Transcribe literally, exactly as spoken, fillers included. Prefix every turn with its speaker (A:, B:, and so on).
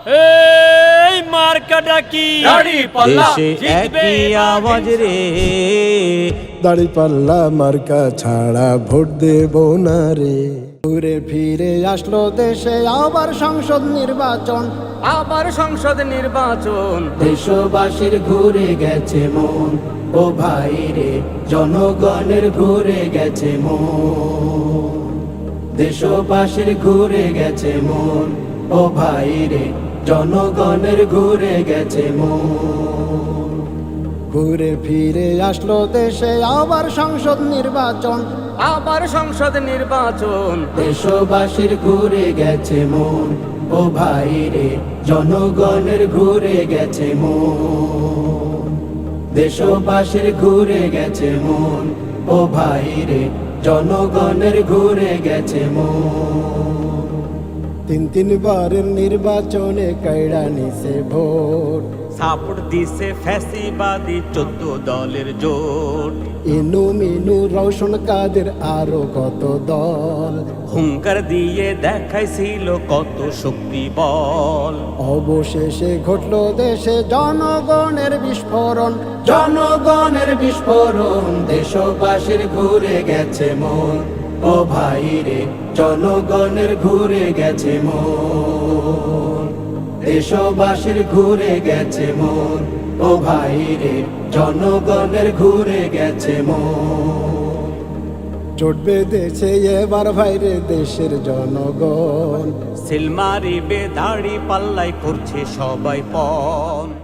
A: এই মার্কাটা কি দাড়ি পাল্লা
B: দেশে একই আওয়াজ রে,
C: দাড়ি পাল্লা মার্কা ছাড়া ভোট দেব না রে। ঘুরে ফিরে আসলো দেশে আবার সংসদ নির্বাচন,
A: আবার সংসদ নির্বাচন।
D: দেশবাসীর ঘুরে গেছে মন, ও ভাই রে জনগণের ঘুরে গেছে মন। দেশবাসীর ঘুরে গেছে মন, ও ভাই রে জনগণের ঘুরে গেছে মন।
C: ঘুরে ফিরে আসলো দেশে আবার সংসদ নির্বাচন,
A: আবার সংসদ নির্বাচন।
D: দেশবাসীর ঘুরে গেছে মন, ও ভাই রে জনগণের ঘুরে গেছে মন। দেশবাসীর ঘুরে গেছে মন, ও ভাই রে জনগণের ঘুরে গেছে মন।
C: তিন তিনবারের নির্বাচনে কাইড়া নিছে ভোট,
B: সাপোর্ট দিছে ফ্যাসিবাদী চোদ্দ দলের জোট।
C: ইনু মিনু রওশন কাদের আরো কত দল,
B: হুঙ্কার দিয়ে দেখাইছিল কত শক্তি বল।
C: অবশেষে ঘটলো দেশে জনগণের বিস্ফোরণ,
D: জনগণের বিস্ফোরণ। দেশবাসীর ঘুরে গেছে মন, ও ভাই রে জনগণের ঘুরে গেছে মন। দেশবাসীর ঘুরে গেছে মন, ও ভাই রে জনগণের ঘুরে গেছে মন।
C: চটবে দেশে এবার ভাইরে দেশের জনগণ,
B: সিল মারিবে দাড়ি পাল্লাই করছে সবাই পণ।